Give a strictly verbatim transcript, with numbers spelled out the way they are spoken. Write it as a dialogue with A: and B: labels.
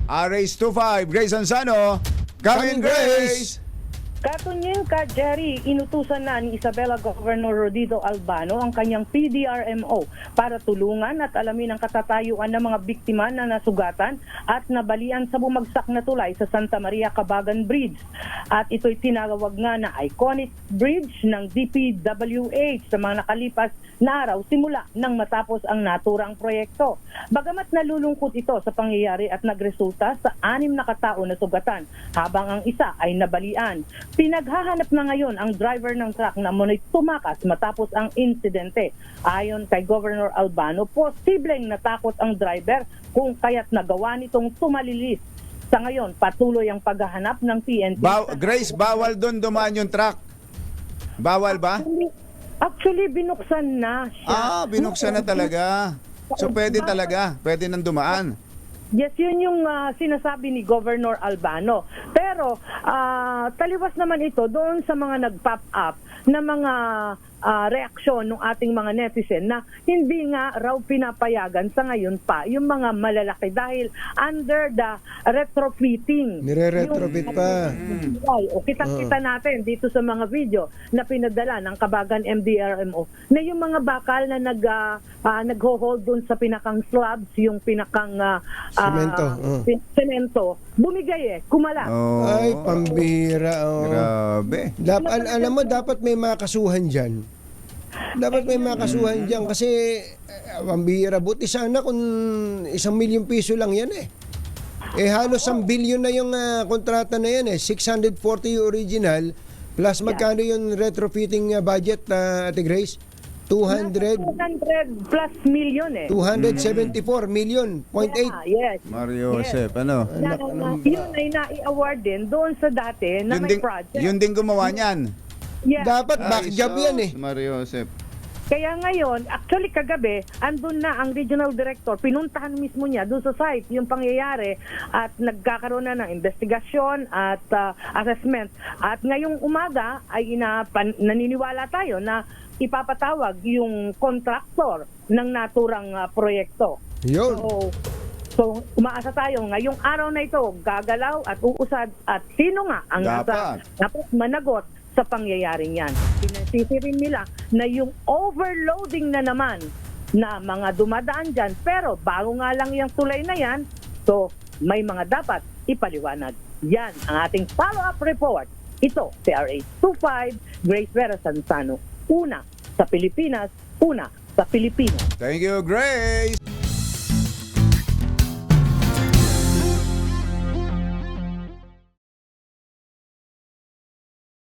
A: R H twenty-five, Grace Ansano. Coming, Grace!
B: Katunyin ka, Jerry, inutusan na ni Isabela Governor Rodito Albano ang kanyang P D R M O para tulungan at alamin ang katatayuan ng mga biktima na nasugatan at nabalian sa bumagsak na tulay sa Santa Maria Cabagan Bridge. At ito'y tinawag nga na iconic bridge ng D P W H sa mga nakalipas na araw simula nang matapos ang naturang proyekto. Bagamat nalulungkot ito sa pangyayari at nagresulta sa anim na katao na sugatan habang ang isa ay nabalian. Pinaghahanap na ngayon ang driver ng truck na muna'y tumakas matapos ang insidente. Ayon kay Governor Albano, posibleng natakot ang driver kung kaya't nagawa nitong tumalilis. Sa ngayon, patuloy ang paghahanap ng P N P.
A: Ba- Grace, bawal doon dumaan yung truck. Bawal ba?
B: Actually, actually, binuksan na siya.
A: Ah, binuksan na talaga. So pwede talaga, pwede nang dumaan.
B: Yes, yun yung uh, sinasabi ni Governor Albano. Pero uh, taliwas naman ito doon sa mga nag-pop up na mga uh, reaksyon ng ating mga netizen na hindi nga raw pinapayagan sa ngayon pa yung mga malalaki dahil under the retrofitting.
C: Nire-retrofit pa.
B: Ay, o kitang-kita natin dito sa mga video na pinadala ng Cabagan M D R M O na yung mga bakal na nag uh, uh, nagho-hold doon sa pinakang slabs, yung pinakang uh,
C: Semento,
B: uh,
C: oh.
B: semento, bumigay eh, kumala.
A: Oh,
C: Ay, pambira. Oh.
A: grabe.
C: Dap- al- alam mo, dapat may makasuhan dyan. Dapat may makasuhan dyan kasi uh, pambira. Buti sana kung isang milyong piso lang yan eh. Eh halos ang bilyon na yung uh, kontrata na yan eh. six hundred forty yung original plus magkano yung retrofitting uh, budget, uh, Ate Grace? two hundred
B: two hundred plus million eh.
C: two hundred seventy-four million, point eight.
B: Yeah, yes.
A: Mario Josep, ano?
B: Na, na, yun ay nai-award din doon sa dati na
A: Yun
B: may
A: din,
B: project.
A: yun din gumawa niyan.
B: Yeah.
C: Dapat back
A: Ay,
C: job
A: sus,
C: yan eh.
A: Mario Josep.
B: Kaya ngayon, actually kagabi, andun na ang regional director, pinuntahan mismo niya doon sa site yung pangyayari at nagkakaroon na ng investigasyon at uh, assessment. At ngayong umaga ay inapan, naniniwala tayo na ipapatawag yung contractor ng naturang uh, proyekto.
C: Yun.
B: So, so umaasa tayo ngayong araw na ito, gagalaw at uusad at sino nga ang nasa,
A: Dapat.
B: dapat managot sa pangyayaring yan. Pinasisi rin nila na yung overloading na naman na mga dumadaan dyan, pero bago nga lang yung tulay na yan, so may mga dapat ipaliwanag. Yan ang ating follow-up report. Ito, si R H twenty-five, Grace Vera Sansano. Una sa Pilipinas, una sa Pilipinas.
A: Thank you, Grace.